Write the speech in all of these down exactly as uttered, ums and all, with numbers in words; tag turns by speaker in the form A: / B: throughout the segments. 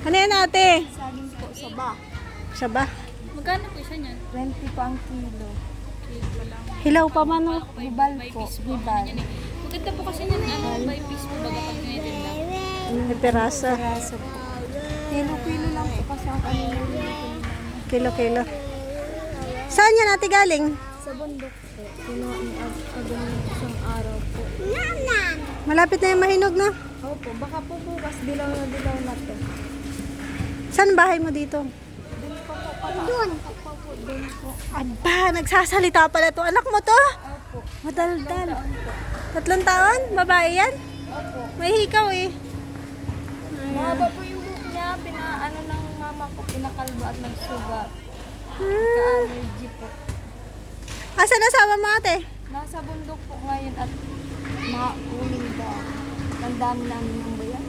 A: Ano yan ate?
B: Saging po, saba.
A: Saba.
C: Magkano po isa niyan?
B: twenty po ang kilo.
C: Kilo lang.
A: Hilaw pa man oh.
B: Hibal
C: By
B: po,
C: piece po.
B: hibal.
C: Yan eh. Maganda po kasi yan, ano, by piece po baga pag ganyan lang.
A: May pirasa.
B: Piraso po. Kilo-kilo lang po kasi ang kanila nito.
A: Kilo-kilo. Saan yan ate galing?
B: Sa bundok po. Kinuha ni Ag- Agong isang araw po.
A: Malapit na yung mahinog na.
B: Opo, baka po bukas dilaw na dilaw na to.
A: Saan bahay mo dito?
B: Doon po po pala. Doon. Opo po, doon po.
A: Aba, nagsasalita pala to. Anak mo to?
B: Opo.
A: Madaldal.
B: Taon po.
A: Tatlong taon? Babae yan?
B: Opo.
A: May hikaw eh.
B: Mahaba po yung buhok niya. Pinaano ng mama ko, pinakalbo at nagsugat.
A: Hmm.
B: Ka-allergy po.
A: Asan asawa mo ate?
B: Nasa bundok po ngayon at mauling daw. Ang dami namin ng bayan.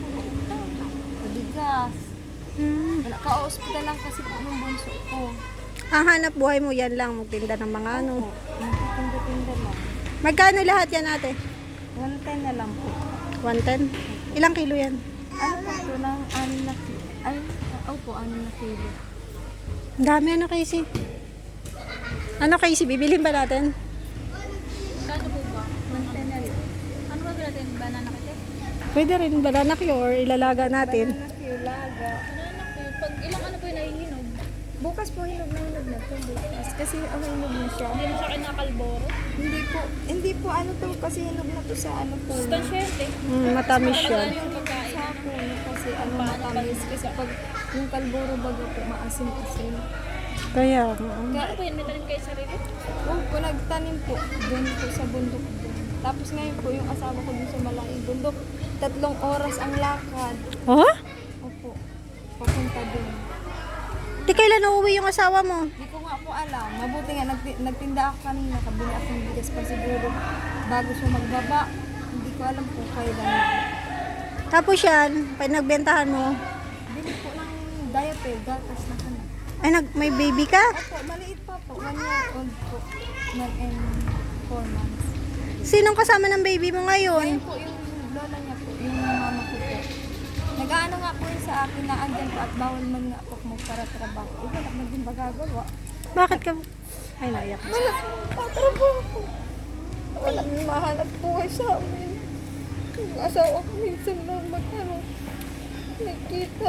B: Bigas.
A: Hmm.
B: Wala ka-hospital lang kasi po ng bunso ko.
A: Ang hanap buhay mo yan lang. Magtinda ng mga ano.
B: Nagtitinda-tinda lang.
A: Magkano lahat yan ate?
B: one ten na lang po.
A: one ten? Ilang kilo yan?
B: Ano po ito ng anim na kilo? Ay, oh po, anim na kilo.
A: Ang dami ano Casey? Ano Casey? Bibilhin ba natin?
C: Magkano po ba?
B: one ten na lang.
C: Ano ba natin? Banana kasi?
A: Pwede rin banana Q or ilalaga natin.
B: Banana kilo, laga.
C: Banana po. Pag ilang ano po yung nahihinog?
B: Bukas po hinog na hinog na to. Bukas. Kasi ang hinog na siya.
C: Hindi mo sa akin nakalboro.
B: Hindi po, hindi po ano to kasi hinog na to sa ano po.
C: Stansyente.
A: Mm, matamis siya.
C: Yung pagkain.
B: Sa puno kasi ano matamis. Kasi pag yung kalboro baga po maasim-asim.
A: Kaya, oo.
C: Ano po yun? May tanim kayo sarili?
B: Oh, po nagtanim po doon po sa bundok doon. Tapos ngayon po yung asawa ko dun sa malaking bundok. Tatlong oras ang lakad.
A: Oh?
B: Opo, papunta doon.
A: Di kailan uuwi yung asawa mo?
B: Hindi ko nga po alam. Mabuti nga nagti- nagtinda ako kanina. Kabili akong bigas pa siguro bago siya magbaba. Hindi ko alam po kailan.
A: Tapos yan, pag nagbentahan mo,
B: Bili po ng diaper, gatas na kanya.
A: ay nag, may baby ka?
B: Opo, maliit pa po. One year old po. One and four months.
A: Sinong kasama ng baby mo
B: Ngayon
A: ngayon?
B: po yung lola niya po, yung mama ko po. Nag-aano nga po yun sa akin na andyan po at bawal man nga po magpara-trabaho. Eh, wala man din magagawa.
A: Bakit ka? Ay, naiyak.
B: Wala patrabaho po. Wala mahanap buhay sa amin. Yung asawa ko minsan lang magkano. Nagkita.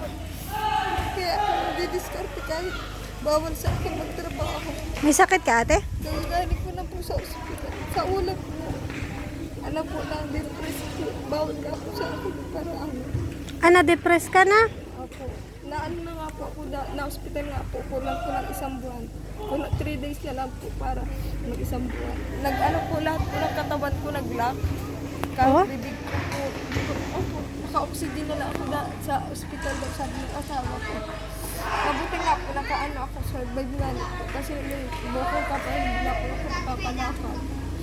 B: Kaya ako nadidiskarte kahit bawal sa akin magtrabaho.
A: May sakit ka ate?
B: Kaya galing ko na po sa ospital. Sa ulat po. Alam po na depressed po. Bawal nga po sa akin para ano.
A: Ah, na-depress ka na?
B: Opo. Na ano na nga po ako, na, na hospital nga po. Kulang ko ng isang buwan. Kulang three days na lang po para mag isang buwan. Nag ano po lahat po ng katawan ko nag-lock. Kahit
A: Oh?
B: bibig ko po. Opo. Naka-oxygen na lang ako na, sa hospital daw sabi ng asawa ko. Mabuti nga po nakaano ako survive nga po. Kasi yung bukol ka pa hindi na po ako nakakalakad.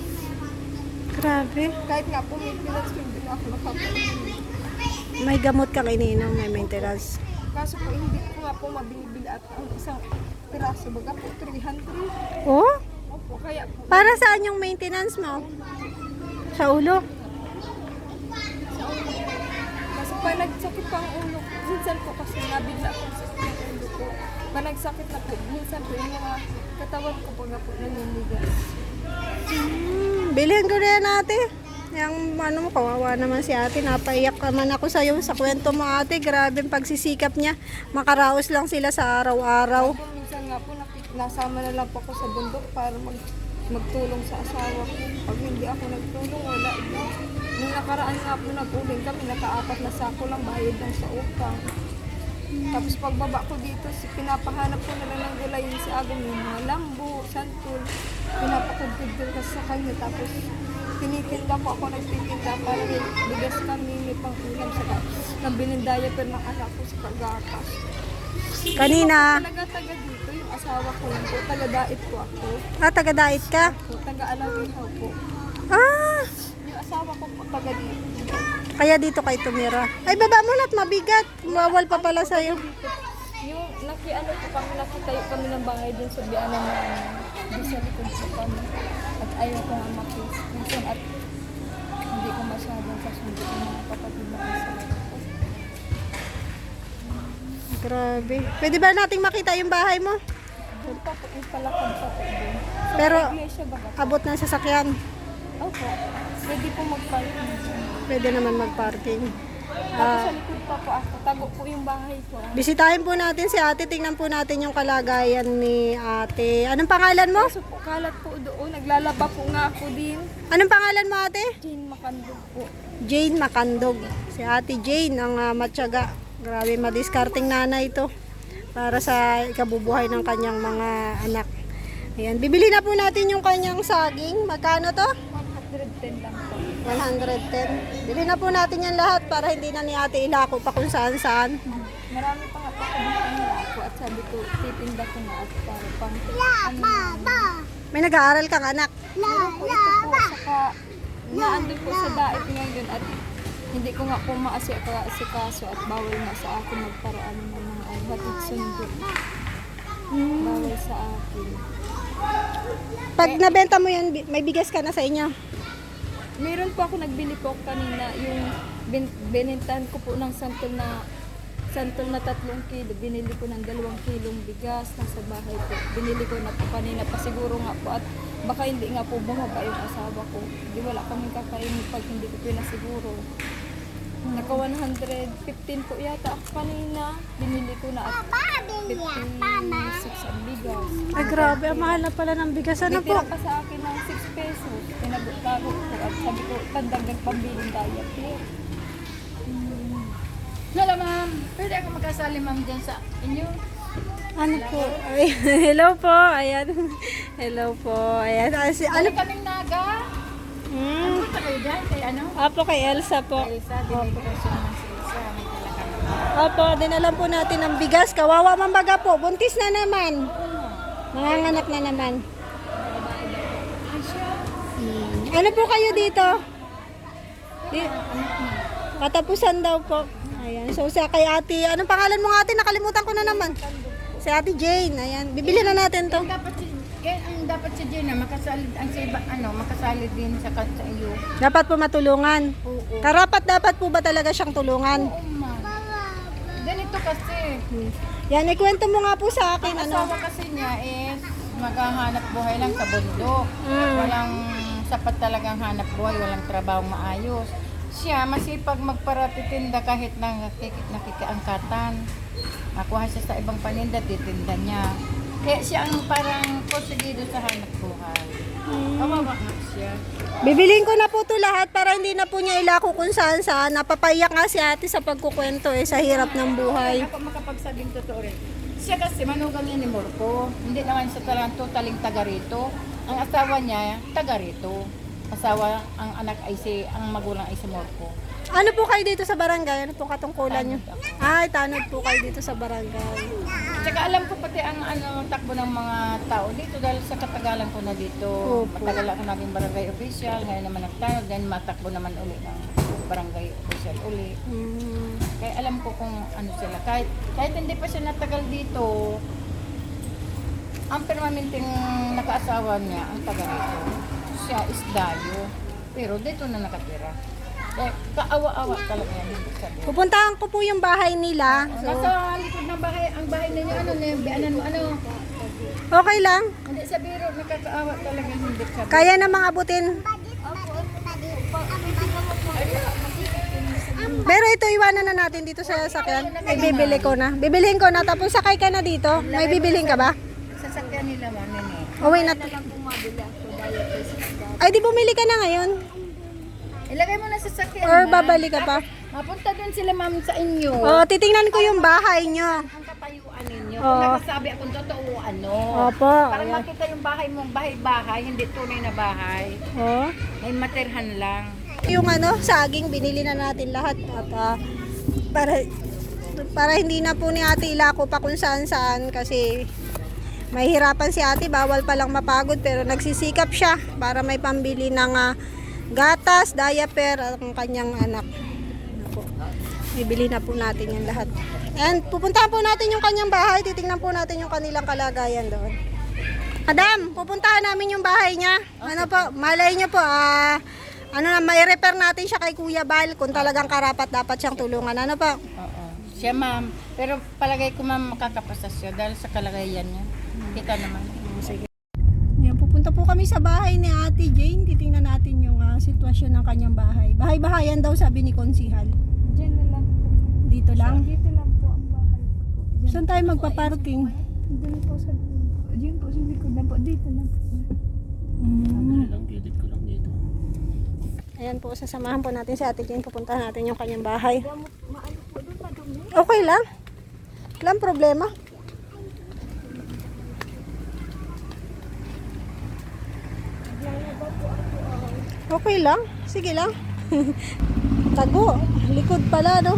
A: Grabe.
B: Kahit nga po may pinag hindi na ako nakapalakad.
A: May gamot kang iniinom, may maintenance.
B: Kaso po hindi ko nga po mabibili at ang isang piraso baga po three hundred.
A: Oh?
B: Opo, kaya po
A: Para saan yung maintenance mo? Sa ulo?
B: sa ulo. Kasi pag nagsakit pa ang ulo, minsan po kasi nabigla ako sa sakit ng ulo ko. Pag nagsakit na po, minsan po yung mga katawan ko pag po naninigas.
A: Hmm, bilhin ko na yan ate. Yung ano mo, kawawa naman si ate. Napaiyak naman ako sa'yo sa kwento mo ate. Grabe ang pagsisikap niya. Makaraos lang sila sa araw-araw.
B: Po, minsan nga po nakik- nasama na lang po ako sa bundok para mag magtulong sa asawa ko. Pag hindi ako nagtulong, wala na. Nung nakaraan nga po nag-uling kami, nakaapat na sako lang bayad lang sa utang. Tapos pagbaba ko dito, si pinapahanap ko na lang ng gulay yun si Agong, yung mga lambo, santol. Pinapakagpigil kasi sa kanya. Tapos tinitinda po ako, nagtitinda para may bigas kami, may pang-ulam sa nang binindaya pero ng anak ko sa kagakas.
A: Kanina,
B: Talaga-taga dito, yung asawa ko lang po, taga-dait po ako.
A: ah, taga-diet ka?
B: Po, taga-alawihaw po.
A: Ah,
B: Yung asawa ko po, taga dito.
A: kaya dito kay tumira. Ay, baba mo na't mabigat. Bawal pa pala sa'yo.
B: Yung nakiano po kami, nakitayo kami ng bahay dun sa biyanan namin. Doon sa likod po kami. At ayaw ko nga makis. Minsan at hindi ko masyadong kasundo yung mga kapatid na asawa ko.
A: Grabe. Pwede ba nating makita yung bahay mo?
B: Doon pa po, yung palakad pa po doon. Sa
A: Pero
B: iglesia baga.
A: abot ng sasakyan.
B: Opo. Pwede po mag-parking.
A: Pwede naman mag-parking.
B: Tapos
A: Ah,
B: sa likod pa po ako. Tago po yung bahay ko.
A: bisitahin po natin si ate. Tingnan po natin yung kalagayan ni ate. Anong pangalan mo?
B: Kaso po, kalat po doon. Naglalaba po nga ako din.
A: Anong pangalan mo ate?
B: Jane Makandog po.
A: Jane Makandog. Si ate Jane ang uh, matyaga. Grabe madiskarting nanay ito para sa ikabubuhay ng kanyang mga anak. Ayan, bibili na po natin yung kanyang saging. Magkano to?
B: one hundred ten lang po.
A: one hundred ten. Bili na po natin yan lahat para hindi na ni ate ilako pa kung saan saan.
B: Marami pa nga po ako dito ako at sabi ko, titinda ko na at para pang ano.
A: May nag-aaral kang anak.
B: Meron po ito po, saka naandun po sa daet ngayon at hindi ko nga po maasikaso at bawal nga sa akin magparaan ng mga hatid sundo. Bawal sa akin.
A: Pag nabenta mo yan, bi- may bigas ka na sa inyo.
B: Meron po ako nagbili po kanina yung bin, binintahan ko po ng santol na santol na tatlong kilo. Binili ko ng dalawang kilong bigas nasa bahay po. Binili ko na po kanina pa siguro nga po at baka hindi nga po bumaba yung asawa ko. Di wala kaming kakainin pag hindi ko pinasiguro. Naka one hundred fifteen po yata ako kanina. Binili ko na at fifty-six ang bigas.
A: Ay grabe, ang mahal na pala ng bigas. Ano po?
B: Nagtira pa sa akin ng six pesos. Pinagtago ko at sabi ko, pandagdag pambiling diet.
C: Hello ma'am, pwede ako magkasali ma'am dyan sa inyo?
A: Ano po? Ay, hello po. Ayan. Hello po. Ayan. Ah, si, ano?
C: Ano kaming naga?
A: Hmm.
C: Punta kayo dyan kay ano?
A: Apo kay Elsa po.
C: Elsa, dinigurasyon naman si Elsa. May talaga.
A: Opo, dinalan po natin ng bigas. Kawawa man baga po. Buntis na naman. Nanganganak na naman. Hmm. Ano po kayo dito? Di, katapusan daw po. Ayan. So, sa kay ate, anong pangalan mo ate? Nakalimutan ko na naman. Si ate Jane. Ayan. Bibili na natin to.
C: Dapat si kaya ang dapat si Gina makasali ang si iba, ano makasali din sa sa iyo.
A: Dapat po matulungan.
C: Oo.
A: Karapat dapat po ba talaga siyang tulungan?
C: Oo ma'am. Ganito kasi.
A: Hmm. Yan, ikwento mo nga po sa akin.
C: Ang
A: Ano?
C: asawa kasi niya is maghahanap buhay lang sa bundok.
A: Mm.
C: Walang sapat talagang hanap buhay, walang trabaho maayos. Siya masipag magparatitinda kahit na nakik- nakikiangkatan. Nakuha siya sa ibang paninda, titinda niya. Kaya siya ang parang posigido sa hanap buhay. Kawawa nga siya.
A: Bibiliin ko na po to lahat para hindi na po niya ilako kung saan saan. Napapaiyak nga si ate sa pagkukwento eh, sa hirap ng buhay.
C: Ako makapagsabing totoo rin. Siya kasi manugang niya ni Morco. Hindi naman siya talagang totaling taga rito. Ang asawa niya, taga rito. Asawa, ang anak ay si, ang magulang ay si Morco.
A: Ano po kayo dito sa barangay? Ano po katungkulan niyo? Ay, tanod po kayo dito sa barangay.
C: Tsaka alam ko pati ang ano, takbo ng mga tao dito dahil sa katagalan ko na dito.
A: Opo.
C: Matagal ako naging barangay official, ngayon naman nagtanod, then matakbo naman uli ng barangay official uli.
A: Hmm.
C: Kaya alam ko kung ano sila. Kahit, kahit hindi pa siya natagal dito, ang permanenteng nakaasawa niya, ang taga rito. Siya is Dayo. Pero dito na nakatira. Eh, kaawa-awa talaga yan. Hindi sabi.
A: Pupuntahan ko po yung bahay nila. So,
C: Nasa likod ng bahay, ang bahay ninyo, ano, ano, ano, ano,
A: okay lang.
C: hindi sa biro, nakakaawa talaga, hindi sabi.
A: Kaya na mga abutin. Pero ito, iwanan na natin dito sa sasakyan. May bibili ko na. Bibilihin ko na. Tapos sakay ka na dito. May bibilihin ka ba?
C: Sasakyan nila, mami, eh.
A: Uwi na.
B: Lang bumabili ako dahil sa
A: Ay, di bumili ka na ngayon?
C: Ilagay mo na sa sasakyan.
A: Or
C: ma'am.
A: babalik ka pa?
C: Mapunta doon sila, ma'am, sa inyo.
A: Oh, titingnan ko yung bahay nyo.
C: Ang katayuan ninyo.
A: Oo.
C: Kung nagsasabi akong totoo, ano.
A: Opo.
C: Para
A: Ayan.
C: makita yung bahay mong bahay-bahay, hindi tunay na bahay.
A: Oh.
C: May materhan lang.
A: Yung ano, saging, binili na natin lahat. At ah, para, para hindi na po ni ate ilako pa kung saan saan kasi mahihirapan si ate, bawal palang mapagod pero nagsisikap siya para may pambili ng ah, gatas, diaper at ang kanyang anak. Ano po. Bibili na po natin yan lahat. And pupuntahan po natin yung kanyang bahay, titingnan po natin yung kanilang kalagayan doon. Madam, pupuntahan namin yung bahay niya. Ano po, malay niyo po, ah, ano na, may repair natin siya kay Kuya Bal kung talagang karapat dapat siyang tulungan. Ano po?
C: Oo. Siya ma'am, pero palagay ko ma'am makakapasa siya dahil sa kalagayan niya. Kita naman.
A: Oh, sige. Yan, pupunta po kami sa bahay ni Ate Jane. Titingnan natin yung ah, sitwasyon ng kanyang bahay. Bahay-bahayan daw sabi ni Konsihal.
B: Diyan na lang po.
A: Dito lang.
B: Dito lang po ang bahay ko po. Diyan
A: Saan tayo magpa-parking?
B: Diyan po sa Diyan po sa likod na po. Dito lang po.
A: Mm.
D: lang, gilid ko lang dito.
A: Ayan po, sasamahan po natin si Ate Jane. Pupuntahan natin yung kanyang bahay.
B: Maano po doon, madumi.
A: Okay lang. Walang problema. Okay lang. Sige lang. Tago. Likod pala, no?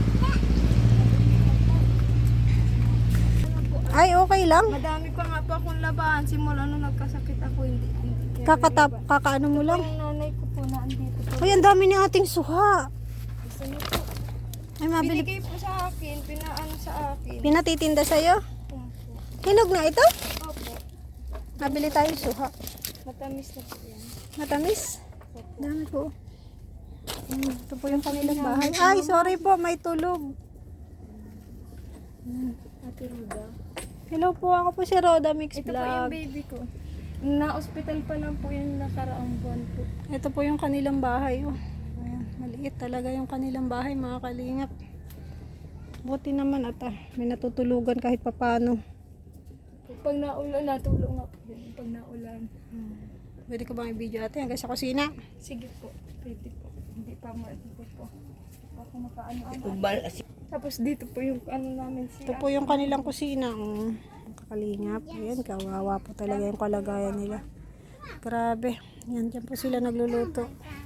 A: Ay, okay lang.
B: Madami pa nga po akong labahan. Simula nung nagkasakit ako, hindi. hindi
A: Kakatap, kakaano mo lang.
B: Yung nanay ko po na andito po.
A: Uy, ang dami ni ating suha.
B: Gusto niyo po.
A: Ay, mabili.
B: Binigay po sa akin, pinaano sa akin.
A: Pinatitinda sa'yo.
B: Opo.
A: Hinog na ito?
B: Opo.
A: Mabili tayo suha.
B: Matamis na po yan.
A: Matamis. Dami po. Hmm, ito po yung kanilang bahay. Ay, sorry po, may tulog.
B: Ate Ruda.
A: Hello po, ako po si Roda Mix
B: Ito po yung
A: Vlog.
B: baby ko. Na-hospital pa lang po yung nakaraang buwan po.
A: Ito po yung kanilang bahay. Oh. Ayan, maliit talaga yung kanilang bahay, mga kalingap. Buti naman at ah, may natutulugan kahit papano.
B: Pag naulan, natulong nga po yun. Pag naulan.
A: Pwede ko bang i-video ate hanggang sa kusina?
B: Sige po. Pwede po. Hindi pa mo ito po. Ako makaano-ano. Tapos dito po yung ano namin
A: Ito
B: siya.
A: po yung kanilang kusina. Mm, kalingap. Ayan, kawawa po talaga yung kalagayan nila. Grabe. Yan, dyan po sila nagluluto.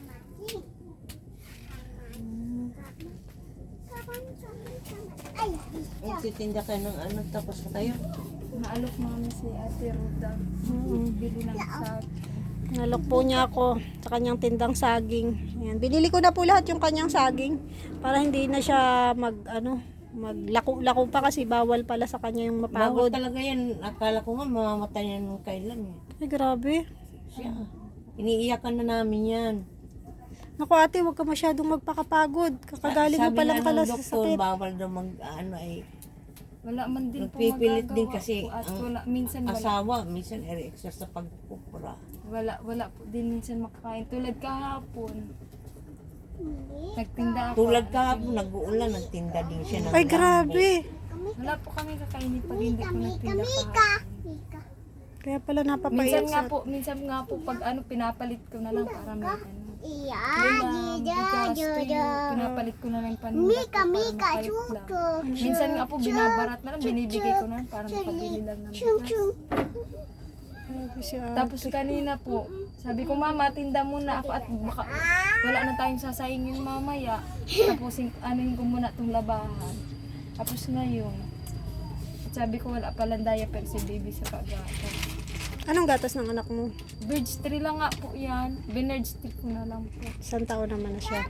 D: Magtitinda ka ng ano, tapos na kayo.
B: Naalok namin si Ate Ruda. Bili lang sa
A: Nalok po niya ako sa kanyang tindang saging. Ayan, binili ko na po lahat yung kanyang saging para hindi na siya mag ano, maglako-lako pa kasi bawal pala sa kanya yung
D: Bawal
A: mapagod.
D: talaga yan. Akala ko nga mamamatay yan nung kailan eh.
A: Ay, grabe.
D: Siya. Iniiyakan na namin yan.
A: Naku ate, huwag ka masyadong magpakapagod. Kakagaling mo
D: Sabi
A: pa lang
D: nga
A: pala
D: ng
A: sa
D: doktor,
A: sakit.
D: bawal daw mag, ano ay,
B: wala man din po
D: nagpipilit din
B: magagawa
D: kasi
B: po. At
D: ang
B: wala, minsan wala,
D: asawa, minsan eri-extra sa pagpupura.
B: wala, wala po din minsan makakain. Tulad kahapon. Nagtinda ako.
D: Tulad kahapon, nag-uulan, nagtinda din siya ng
A: Ay,
D: lambo.
A: grabe.
B: Wala po kami kakainin pag hindi po nagtinda kahapon.
A: Kaya pala
B: Minsan
A: napapayat
B: nga
A: sa...
B: po, minsan nga po pag ano pinapalit ko na lang para may ano.
E: Iya,
B: Ulam, bigas, tuyo, pinapalit ko na lang paninda ko para makalit lang. Minsan nga po binabarat na lang, binibigay ko na lang para makabili lang ng bigas.
A: Grabe si ate.
B: Tapos kanina po, sabi ko mama, tinda muna ako at baka wala na tayong sasayangin mamaya. Tapos anuhin ko muna itong labahan. Tapos ngayon, sabi ko wala palang diaper si baby sa kagata.
A: Anong gatas ng anak mo?
B: Birds tree lang nga po yan. Binerd stick ko na lang po.
A: Isang taon naman na siya.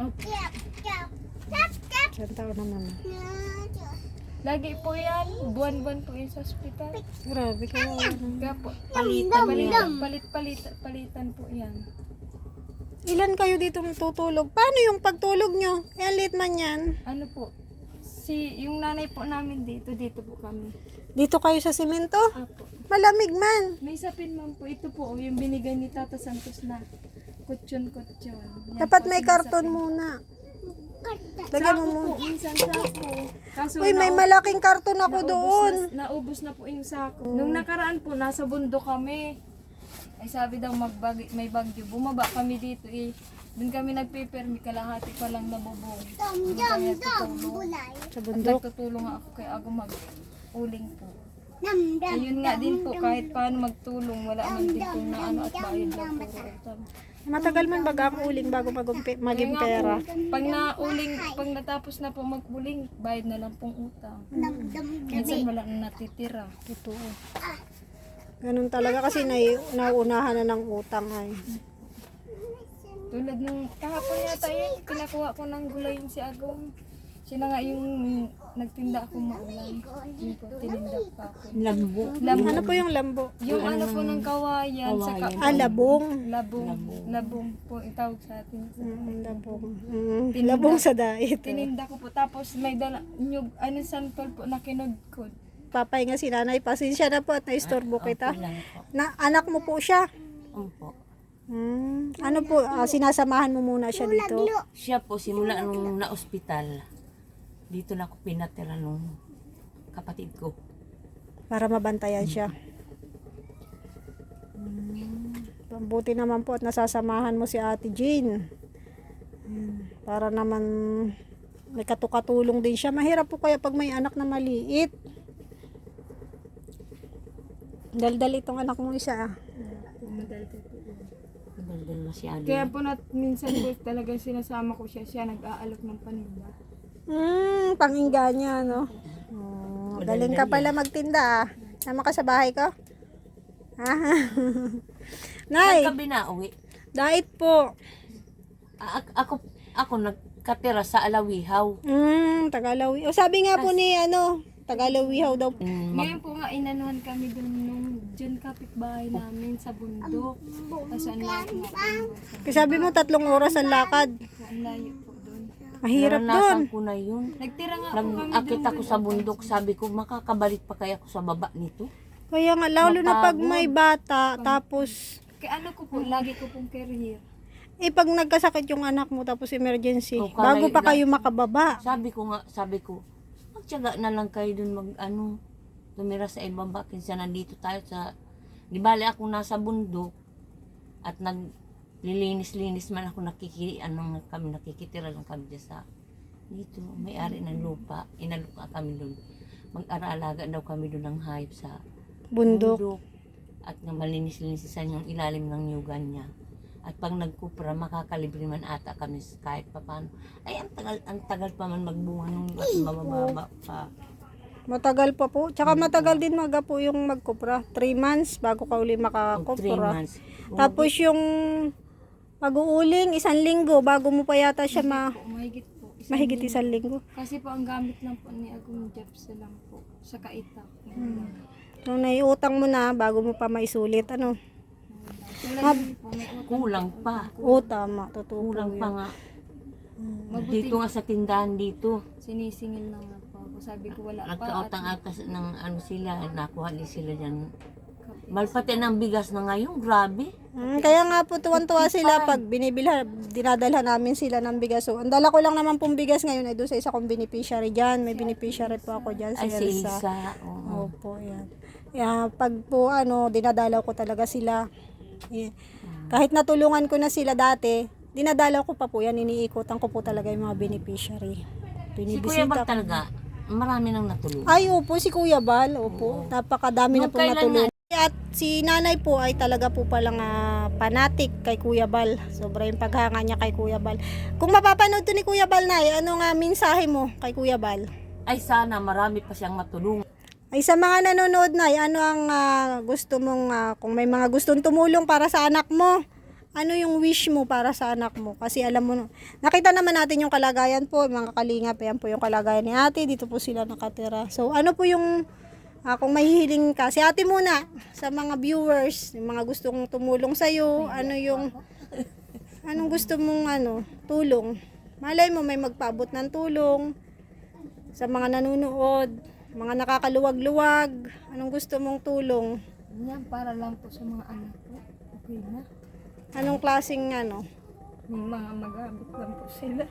A: Isang taon naman na.
B: Lagi po yan. Buwan-buwan po yun sa ospital.
A: Grabe kayo.
B: Kaya po,
D: Palitan
B: palit,
D: yan.
B: palit, palit, palitan po yan.
A: Ilan kayo dito tutulog? Paano yung pagtulog nyo? Eh, late man yan.
B: Ano po, si, yung nanay po namin dito, dito po kami.
A: Dito kayo sa simento?
B: Apo.
A: Malamig man.
B: May sapin man po, ito po, yung binigay ni Tata Santos na kutsyon-kutsyon. Yan
A: Dapat
B: po,
A: may
B: sinasapin.
A: karton muna. Lagyan mo
B: Sako
A: muna.
B: po, minsan sako. Kaso
A: Uy, may
B: nau-
A: malaking karton ako
B: naubos
A: doon.
B: Na, naubos na po yung sako. Nung nakaraan po, nasa bundok kami. Ay sabi daw magbag may bagyo. Bumaba kami dito eh. Doon kami nagpipermi, kalahati pa lang nabubong. Doon kami nagtutulong.
A: Sa
B: At
A: bundok.
B: nagtutulong ako kay ako mag-uling po. Ayun nga din po, kahit paano magtulong, wala man din po na ano at bayad lang po. utang.
A: Matagal man baga ang uling bago magumpi- maging
B: Kaya nga
A: pera.
B: po, pag nauling, pag natapos na po mag-uling, bayad na lang pong utang. Minsan wala na natitira.
A: Totoo. Ganun talaga kasi nai- nauunahan na ng utang ay.
B: Tulad nung kahapon yata yun, pinakuha ko ng gulay yung si Agong. Sila nga yung nagtinda ako maulan. Yung po, tininda pa ako.
D: Lambo.
B: Labong.
A: Ano po yung lambo?
B: Yung ano po ng kawayan, saka
D: Kawayan.
A: Ah, labong.
B: labong. Labong po itawag sa atin.
A: Mm, labong. Mm, labong sa dait.
B: Tininda ko po. Tapos may dala, nyug, ano santol po na kinudkod.
A: Papay nga si nanay, pasensya na po at naistorbo kita.
D: Okay lang po.
A: Na, anak mo po siya.
D: Opo.
A: Hmm. Ano po, ah, sinasamahan mo muna siya dito?
D: Siya po, simula nung na-ospital, dito na ako pinatira nung kapatid ko.
A: Para mabantayan siya. Hmm. Buti naman po at nasasamahan mo si Ate Jean. Hmm. Para naman may katukatulong din siya. Mahirap po kaya pag may anak na maliit. Daldal itong anak mo isa ah.
D: Daldal masyado.
B: Kaya po na minsan po talagang sinasama ko siya. Siya nag-aalok ng paninda.
A: Hmm, pangingga niya, no? Oh, galing ka pala magtinda, ah. Sama ka sa bahay ko? Ah. Nay,
D: Saan ka binauwi?
A: diet po.
D: A- ako, ako nagkatira sa Alawihaw.
A: Hmm, Tagalawi. O sabi nga po ni, ano, Tagalawihaw daw.
D: Mm, mag-
B: Ngayon po nga inanuhan kami dun nung dyan kapitbahay namin sa bundok. Tapos ang layo nga po.
A: Kasi sabi mo tatlong oras ang lakad.
B: Ang layo po dun.
A: Mahirap doon.
D: naranasan ko na yun.
B: Nagtira nga po kami
D: Nag-akit
B: dun.
D: ako sa bundok, sabi ko, makakabalik pa kaya ako sa baba nito?
A: Kaya nga, lalo na pag
D: Mapagod.
A: may bata, tapos,
B: Kaya ano ko po, lagi ko pong career.
A: eh pag nagkasakit yung anak mo, tapos emergency,
D: O, kala-
A: bago pa kayo makababa.
D: Sabi ko nga, sabi ko, magtiyaga na lang kayo dun mag, ano, tumira sa ibaba, kinsa nandito tayo sa, di bali ako nasa bundok, at naglilinis-linis man ako nakiki, ano, kami nakikitira lang kami dyan sa, dito, may-ari ng lupa, inalupa kami dun. Mag-araalaga daw kami dun ng hayop sa
A: Bundok.
D: at nga malinis-linisisan yung ilalim ng nyugan niya. At pag nagkupra, makakalibre man ata kami kahit pa paano. Ay, ang tagal, ang tagal pa man magbunga nung at mabababa pa.
A: Matagal pa po. Tsaka matagal din maga po yung magkupra. Three months bago ka uli
D: O three
A: makakupra.
D: months.
A: Tapos yung pag-uuling, isang linggo bago mo pa yata siya ma
B: Po, mahigit po. Isang
A: mahigit
B: linggo.
A: isang linggo.
B: Kasi po ang gamit lang po ni Agong Jeps lang po. Sa kaitak.
A: Nung naiutang mo na bago mo pa maisulit, ano?
B: Tulad yun po, may utang.
D: Kulang pa.
A: Oo, tama. Totoo po
D: Kulang pa
A: yun.
D: nga.
B: Mabuti
D: Dito nga sa tindahan dito.
B: sinisingil lang na po ako. Sabi ko wala pa.
D: Nagkautang atas ng ano sila, nakuha din sila dyan. Malpati ng bigas na ngayon, grabe.
A: Mm, kaya nga po tuwan-tuwa sila pag binibilhan, dinadalhan namin sila ng bigas. So, ang dala ko lang naman pong bigas ngayon ay doon sa isa kong beneficiary dyan. May beneficiary po ako dyan, si
D: Ay, si
A: Elsa.
D: Isa. Oo.
A: Opo, yan. Yeah, pag po ano, dinadalaw ko talaga sila. Yeah. Kahit natulungan ko na sila dati, dinadalaw ko pa po yan, iniikutan ko po talaga yung mga beneficiary.
D: Si Kuya Bag
A: Binibisita ko.
D: talaga, marami nang natulungan.
A: Ay, opo, si Kuya Bal, opo. Napakadami na
D: Nung
A: po
D: kailan
A: natulungan. At si nanay po ay talaga po palang ah, fanatic kay Kuya Bal. Sobra yung paghanga niya kay Kuya Bal. Kung mapapanood to ni Kuya Bal, Nay, ano nga mensahe mo kay Kuya Bal?
D: Ay, sana marami pa siyang matulungan.
A: Ay sa mga nanonood, Nay, ano ang ah, gusto mong, ah, kung may mga gustong tumulong para sa anak mo, ano yung wish mo para sa anak mo? Kasi alam mo, nakita naman natin yung kalagayan po, mga kalingap, yan po yung kalagayan ni ate, dito po sila nakatira. So ano po yung, ah, kung may hiling ka, si ate muna, sa mga viewers, yung mga gustong tumulong sa'yo, ano yung, anong gusto mong ano, tulong? Malay mo may magpaabot ng tulong sa mga nanonood, mga nakakaluwag-luwag, anong gusto mong tulong?
B: Yan, para lang po sa mga anak ko. Okay na.
A: Anong klaseng ano?
B: May mga magamit lang po sila.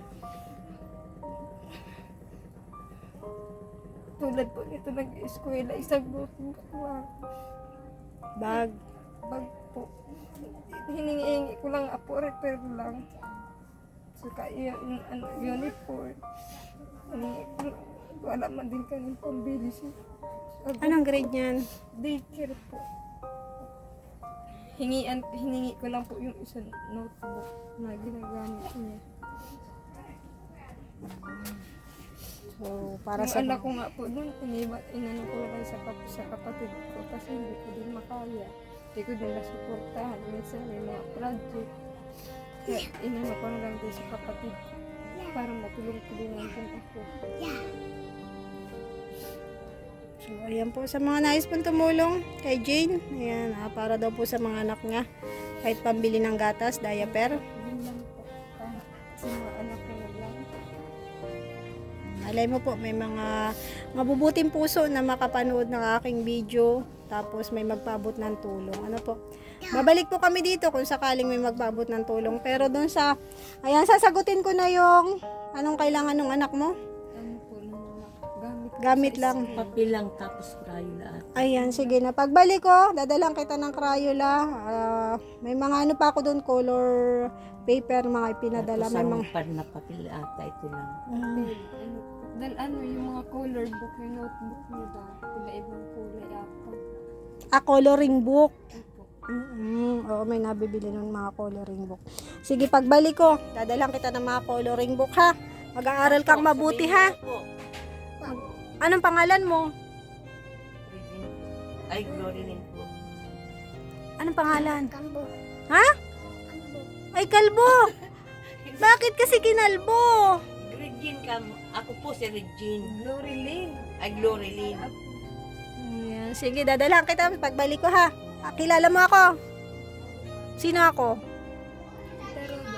B: Tulad po nito nag-eskwela, isang butong lang.
A: Bag.
B: Bag po. Hiningi ko lang apo, repair lang. Saka yun, ano, uniform. Hiningi ko lang. Wala man din kanyang pambili siya.
A: Anong grade niyan?
B: Daycare po. Hingian, hiningi ko lang po yung isang notebook na ginagamit niya.
A: So, para
B: Yung
A: sa
B: anak ko nga po doon, iniba, inano ko lang sa, kap, sa kapatid ko kasi hindi ko din makaya. Hindi ko din nasuportahan. Minsan may mga project. Kaya inano ko na lang din sa kapatid ko para matulong-tulungan din ako.
A: ayan po sa mga nais pong tumulong kay Jane. Ayan, ah, para daw po sa mga anak niya. Kahit pambili ng gatas, diaper.
B: Yun lang po. Ah, sa mga anak ko na lang.
A: Alay mo po, may mga mabubuting puso na makapanood ng aking video. Tapos may magpaabot ng tulong. Ano po? Babalik po kami dito kung sakaling may magpaabot ng tulong. Pero doon sa, ayan, sasagutin ko na yung anong kailangan ng anak mo.
B: Ano po, ng mga gamit.
A: Gamit lang.
D: Papel lang tapos Crayola at
A: Ayan, sige na. Pagbalik ko, dadalang kita ng Crayola. Ah, may mga ano pa ako doon, color paper, mga ipinadala. May mga...
D: pad na papel ata ito lang.
A: Mm.
B: Ano, dahil ano, yung mga color book, yung notebook niyo ba? Iba-ibang kulay apa.
A: Ah, coloring book.
B: Opo.
A: Mm, oo, may nabibili ng mga coloring book. Sige, pagbalik ko, dadalang kita ng mga coloring book, ha? Mag-aaral kang mabuti, ha? Anong pangalan mo?
D: Ay, Glory Lynn po.
A: Anong pangalan? Ha? Ay, kalbo! Bakit kasi kinalbo?
D: Regine ka mo. Ako po si Regine.
B: Glory Lane.
D: Ay, Glory Lynn.
A: Ayan, sige, dadalang kita pagbalik ko, ha? Ah, kilala mo ako? Sino ako?
B: Pero ba?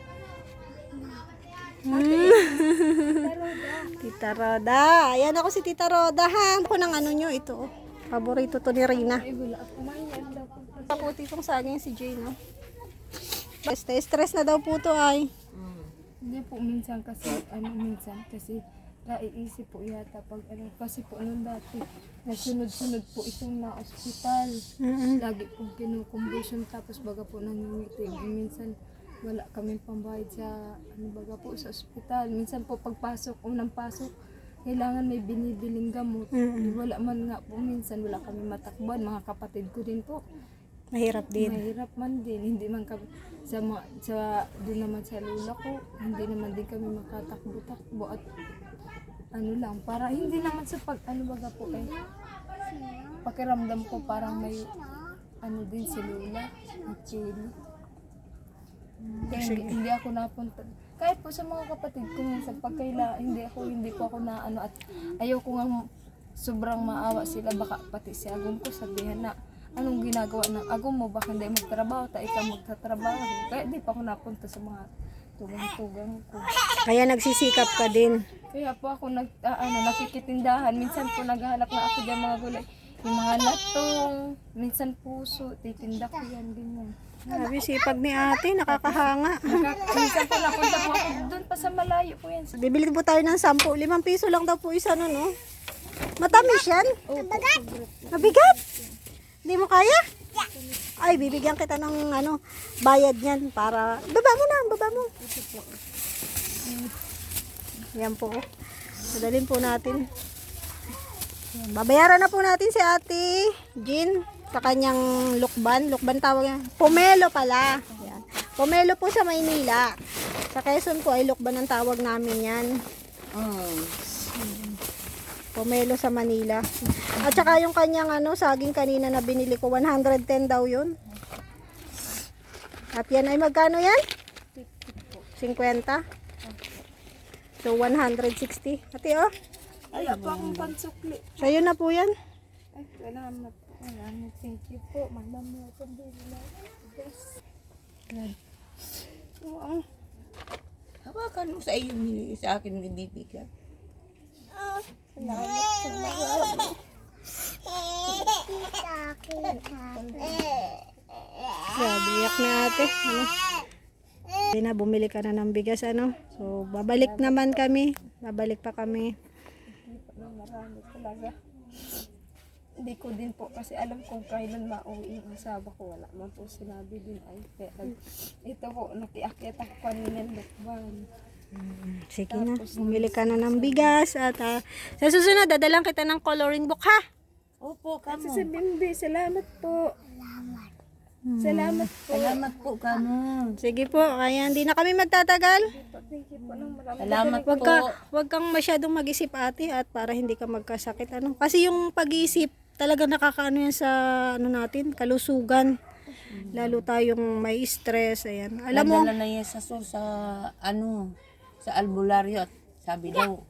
A: Hmm. Tita Roda. Ayan ako si Tita Roda, ha? Ako ng ano nyo, ito. Oh. Paborito to ni Rina.
B: Ay, wala ako. Mayan daw po.
A: Pakuti itong saging si Jane, no? Stress, stress na daw po to, ay.
B: Hindi po minsan kasi, ano minsan kasi naiisip po yata pag ano, kasi po nung dati, nasunod-sunod po itong na ospital.
A: Mm-mm.
B: Lagi po kinukumbusyon tapos baga po nangingitig. Minsan wala kaming pambayad sa, ano baga po sa ospital. Minsan po pagpasok, unang pasok, kailangan may binibiling gamot.
A: Mm-mm.
B: Wala man nga po, minsan wala kami matakbuhan. Mga kapatid ko din po.
A: Mahirap din.
B: Mahirap man din, hindi man kami sa mga, sa doon naman sa lula ko, hindi naman din kami makatakbo-takbo at ano lang, para hindi naman sa pag ano baga po eh, pakiramdam ko parang may ano din si lula, at chili. Kaya hindi, hindi ako napunta. Kahit po sa mga kapatid ko minsan pag kaila, hindi ako, hindi po ako na ano at ayaw ko nga sobrang maawa sila, baka pati si Agong ko sabihan na anong ginagawa ng Agong mo, baka hindi magtrabaho, ta ikaw magtatrabaho. Kaya di pa ako napunta sa mga tugang-tugang ko.
A: Kaya nagsisikap ka din.
B: Kaya po ako nag, ah, ano, nakikitindahan. Minsan po naghahanap na ako dyan mga gulay. Yung mga latong, minsan puso, titinda ko yan, ganyan.
A: Sabi, sipag ni ate, nakakahanga.
B: Nakaka- minsan po napunta po ako doon pa sa malayo po yan.
A: Bibili po tayo ng sampu. Limang piso lang daw po isa, no, no? Matamis yan? Mabigat? Hindi mo kaya? Ay, bibigyan kita ng ano, bayad niyan para... Baba mo na, baba mo. Yan po. Madalin po natin. Yan, babayaran na po natin si Ate Jean sa kanyang lukban. Lukban tawag yan. Pomelo pala. Yan. Pomelo po sa Maynila. Sa Quezon po ay lukban ang tawag namin yan.
D: Oh.
A: Pomelo sa Manila. At saka yung kanyang ano, saging kanina na binili ko, one hundred ten daw yun. At yan ay magkano yan? fifty. So, one hundred sixty. Ate, oh.
B: Wala pa akong pansukli.
A: Sa'yo na po yan.
B: Ay, salamat. Salamat. Thank you po. Madam mo ako din. Yes. Oo.
D: Hawakan mo sa iyo, hindi sa akin hindi bigat.
B: Salamat. Salamat.
A: Grabe, iyak na ate. Ano? Hindi na, bumili ka na ng bigas, ano. So, babalik naman kami. Babalik pa kami.
B: Marami talaga. Hindi ko din po kasi alam kung kailan mauwi yung asawa ko. Wala man po sinabi din ay. Kaya, nag- ito po, nakiakit ako kanina ng lakban.
A: Sige na, bumili ka na ng bigas. At ah, sa susunod, dadalang kita ng coloring book, ha?
D: Opo,
B: Kasi
D: kamo.
B: sa Bimbi, salamat po. Salamat po.
D: Salamat po, kamo.
A: Sige po, kaya hindi na kami magtatagal.
B: Thank you po ng marami.
D: Salamat
A: Wag
D: po.
A: ka, wag kang masyadong mag-isip ate at para hindi ka magkasakit, ano. Kasi yung pag-iisip, talaga nakakaano yan sa ano natin, kalusugan. Lalo tayong may stress, ayan. Alam mo,
D: Nadala na yan sa, so, sa ano, sa albularyo at sabi daw,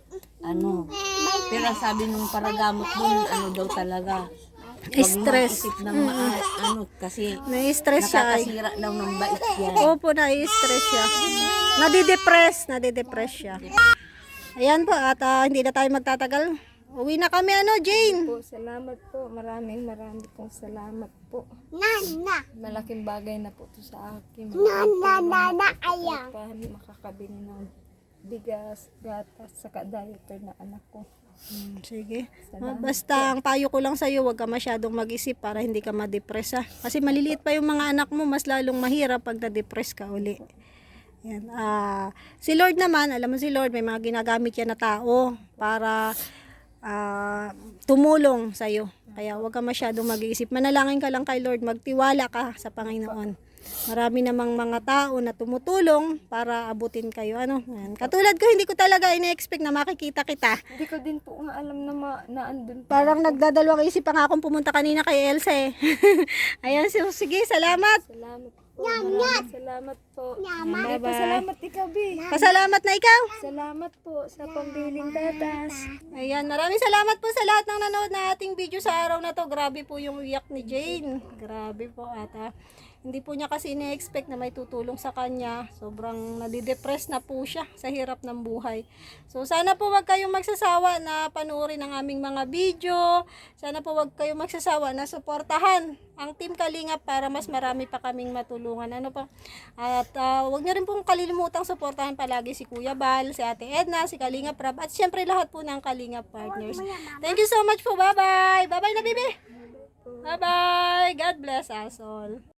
D: ano. Pero ang sabi nung paragamot dun, ano daw talaga. Huwag mo
A: Stress.
D: isip ng maa, ano, kasi
A: Na-stress siya. Ay.
D: nakakasira daw ng bait yan.
A: Opo, na-stress siya. Nadidepress, nadidepress siya. Ayan po, at ah, hindi na tayo magtatagal. Uwi na kami, ano, Jane?
B: Po, salamat po. Maraming maraming pong salamat po. Nana! Malaking bagay na po to sa akin. Nana, nana, ayaw. Makakabili ng bigas, gatas, saka diaper na anak ko.
A: Hmm, sige. Ah, basta ang payo ko lang sa'yo, huwag ka masyadong mag-isip para hindi ka ma-depress ha. Kasi maliliit pa yung mga anak mo, mas lalong mahirap pag na-depress ka uli. Yan. Ah, si Lord naman, alam mo si Lord, may mga ginagamit yan na tao para ah, tumulong sa'yo. Kaya huwag ka masyadong mag-iisip. Manalangin ka lang kay Lord, magtiwala ka sa Panginoon. Marami namang mga tao na tumutulong para abutin kayo. Ano? Yan. Katulad ko, hindi ko talaga ina-expect na makikita kita.
B: Hindi ko din po nga alam na, ma, na andun pa.
A: Parang nagdadalawang isip pa nga akong pumunta kanina kay Elsa eh. Ayan, so, sige, salamat.
B: Salamat po. Maraming salamat po. Bye bye. Salamat ikaw, B.
A: Pasalamat na ikaw.
B: Salamat po sa pambiling gatas.
A: Ayan, maraming salamat po sa lahat ng nanood na ating video sa araw na to. Grabe po yung iyak ni Jane. Grabe po ata. Hindi po niya kasi ina-expect na may tutulong sa kanya. Sobrang nadidepress na po siya sa hirap ng buhay. So sana po wag kayong magsasawa na panoorin ang aming mga video. Sana po wag kayong magsasawa na suportahan ang Team Kalingap para mas marami pa kaming matulungan. Ano pa? At uh, wag niyo rin pong kalilimutang suportahan palagi si Kuya Bal, si Ate Edna, si Kalingap Rab, at syempre lahat po ng Kalingap partners. Thank you so much po. Bye-bye. Bye-bye na, bibi. Bye-bye. God bless us all.